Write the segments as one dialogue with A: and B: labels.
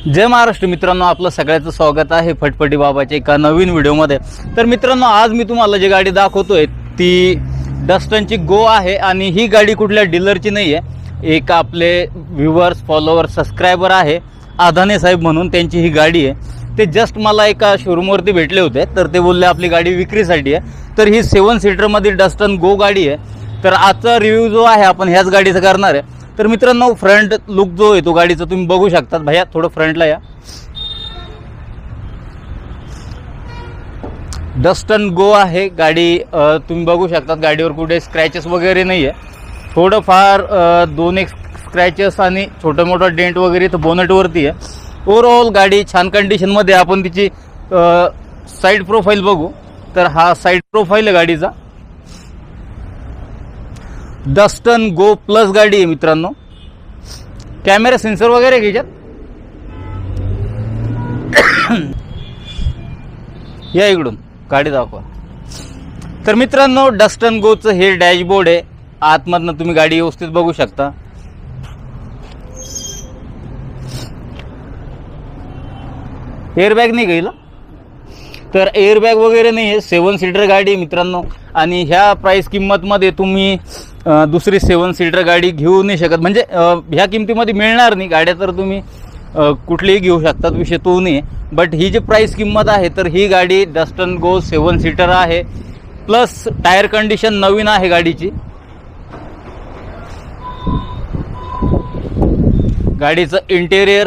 A: जय महाराष्ट्र मित्रांनो, आपलं सगळ्याचं स्वागत आहे फटफटी बाबाच्या एका नवीन व्हिडिओमध्ये। तर मित्रांनो, आज मी तुम्हाला जी गाडी दाखवतोय ती डस्टनची गो आहे आणि ही गाडी कुठल्या डीलरची नाही आहे। एक आपले व्ह्यूअर्स, फॉलोअर्स, सबस्क्रायबर आहे आधाने साहेब म्हणून, त्यांची ही गाडी आहे। ते जस्ट मला एका शोरूमवरती भेटले होते, तर ते बोलले आपली गाडी विक्रीसाठी आहे। तर ही 7 सीटरमध्ये डस्टन गो गाडी आहे। तर आजचा रिव्ह्यू जो आहे आपण ह्याच गाडीचा करणार आहे। तर मित्रांनो, फ्रंट लुक जो आहे तो गाडीचा तुम्ही बघू शकतात। भैया थोडं फ्रंटला या। डस्टन गो आहे गाडी, तुम्ही बघू शकतात गाडीवर कुठे स्क्रॅचेस वगैरे नाही आहे। थोडंफार 2-1 स्क्रॅचेस आणि छोटं मोठं डेंट वगैरे तर बोनटवरती आहे। ओव्हरऑल गाडी छान कंडिशनमध्ये। आपण तिची साईड प्रोफाईल बघू तर हा साईड प्रोफाईल आहे गाडीचा। डस्टन गो प्लस गाडी आहे मित्रांनो। कॅमेरा सेन्सर वगैरे घ्यायच्यात या इकडून गाडी दाखवा। तर मित्रांनो, डस्टन गोचं हे डॅशबोर्ड आहे। आतमधनं तुम्ही गाडी व्यवस्थित बघू शकता। एअरबॅग नाही गेला, तर एअरबॅग वगैरे नाही आहे। 7 सीटर गाडी आहे मित्रांनो, आणि ह्या प्राइस किंमतमध्ये तुम्ही दुसरी 7 सीटर गाडी घेऊ नाही शकत। म्हणजे ह्या किमतीमध्ये मिळणार नाही गाड्या, तर तुम्ही कुठलीही घेऊ शकतात, विषय तो नाही। बट ही जी प्राइस किंमत आहे, तर ही गाडी डस्टन गो 7 सीटर आहे। प्लस टायर कंडिशन नवीन आहे गाडीची। गाडीचं इंटेरियर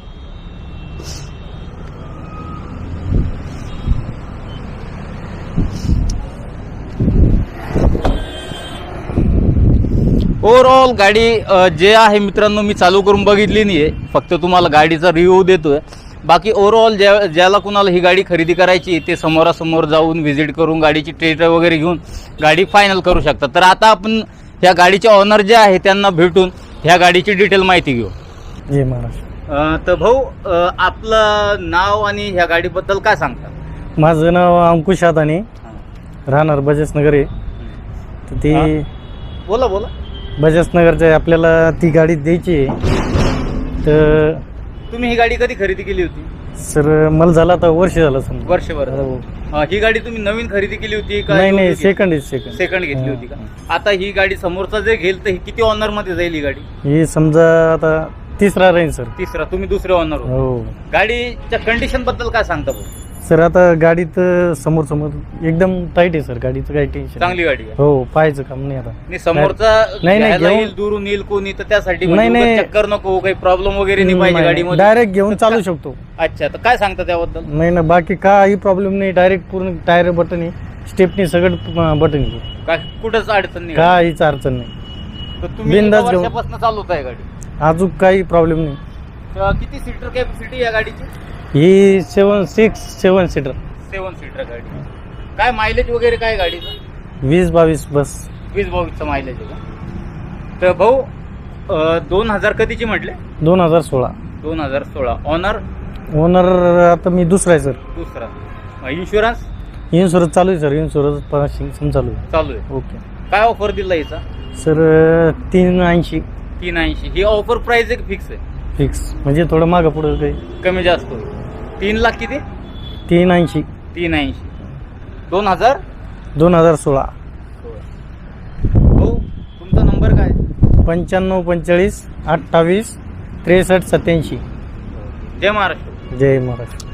A: ओव्हरऑल गाडी जे आहे मित्रांनो, मी चालू करून बघितली नाही आहे, फक्त तुम्हाला गाडीचा रिव्ह्यू देतोय। बाकी ओव्हरऑल ज्याला कुणाला ही गाडी खरेदी करायची ते समोरासमोर जाऊन व्हिजिट करून गाडीची टेस्ट वगैरे घेऊन गाडी फायनल करू शकतात। तर आता आपण ह्या गाडीचे ऑनर जे आहे त्यांना भेटून ह्या गाडीची डिटेल माहिती घेऊ।
B: जय महाराष्ट्र।
A: तर भाऊ, आपलं नाव आणि ह्या गाडीबद्दल काय सांगता?
B: माझं नाव अंकुश आदाने, राहणार बजाजनगर आहे। तर ती
A: बोला बोला।
B: बजाजनगरच्या आहे, आपल्याला ती गाडी द्यायची आहे। तर
A: तुम्ही ही गाडी कधी खरेदी केली होती?
B: सर मला झालं आता वर्ष झालं समजा।
A: वर्षभर।
B: हो.
A: ही गाडी तुम्ही नवीन खरेदी केली होती का?
B: नाही, सेकंड
A: सेकंड घेतली होती का? आता ही गाडी समोरचा जे घेईल तर ही किती ऑनर मध्ये जाईल ही गाडी?
B: ही समजा आता तिसरा राहील सर।
A: तिसरा, तुम्ही दुसरे ऑनर
B: हो।
A: गाडीच्या कंडिशन बद्दल काय सांगता भाऊ?
B: सर आता गाडीत समोर एकदम टाईट आहे सर, गाडीचं काही टेन्शन
A: चांगली गाडी आहे।
B: हो, पाहायचं काम नाही आता।
A: नाही, समोरचा
B: नाही,
A: येईल, दुरून येईल कोणी, तर त्यासाठी
B: नाही,
A: चक्कर नको, काही प्रॉब्लेम वगैरे नाही पाहिजे गाडीमध्ये,
B: डायरेक्ट घेऊन चालू शकतो।
A: अच्छा, तर काय सांगता त्याबद्दल?
B: नाही ना, बाकी काही प्रॉब्लेम नाही। डायरेक्ट पूर्ण टायर बटन आहे, स्टेपनी सगळं बटन आहे,
A: काय कुठंच अडचण नाही,
B: काहीच अडचण नाही।
A: तर तुम्ही
B: बिनधास्त घेऊन
A: वर्षापासून चालवत आहे गाडी?
B: अजून काही प्रॉब्लेम नाही।
A: किती सीटर कॅपॅसिटी या गाडीची?
B: ही 7 सीटर
A: 7 सीटर गाडी। काय मायलेज वगैरे काय गाडीचं?
B: 20-22 बस।
A: 20-22चं मायलेज आहे का? तर भाऊ, 2000 कधीची म्हटले?
B: 2016।
A: 2016 ऑनर
B: आता मी दुसरा आहे सर।
A: दुसरा। इन्शुरन्स
B: चालू आहे सर। इन्शुरन्स चालू आहे।
A: चालू आहे।
B: ओके।
A: काय ऑफर दिला याचा?
B: सर 380।
A: 380 ही ऑफर प्राइस एक फिक्स आहे?
B: फिक्स म्हणजे थोडं मागं पुढं काही
A: कमी जास्त होईल। 3 लाख किती?
B: 380।
A: 380 2016। भाऊ, तुमचा नंबर काय?
B: 95 45 28 63 87।
A: जय महाराष्ट्र।
B: जय महाराष्ट्र।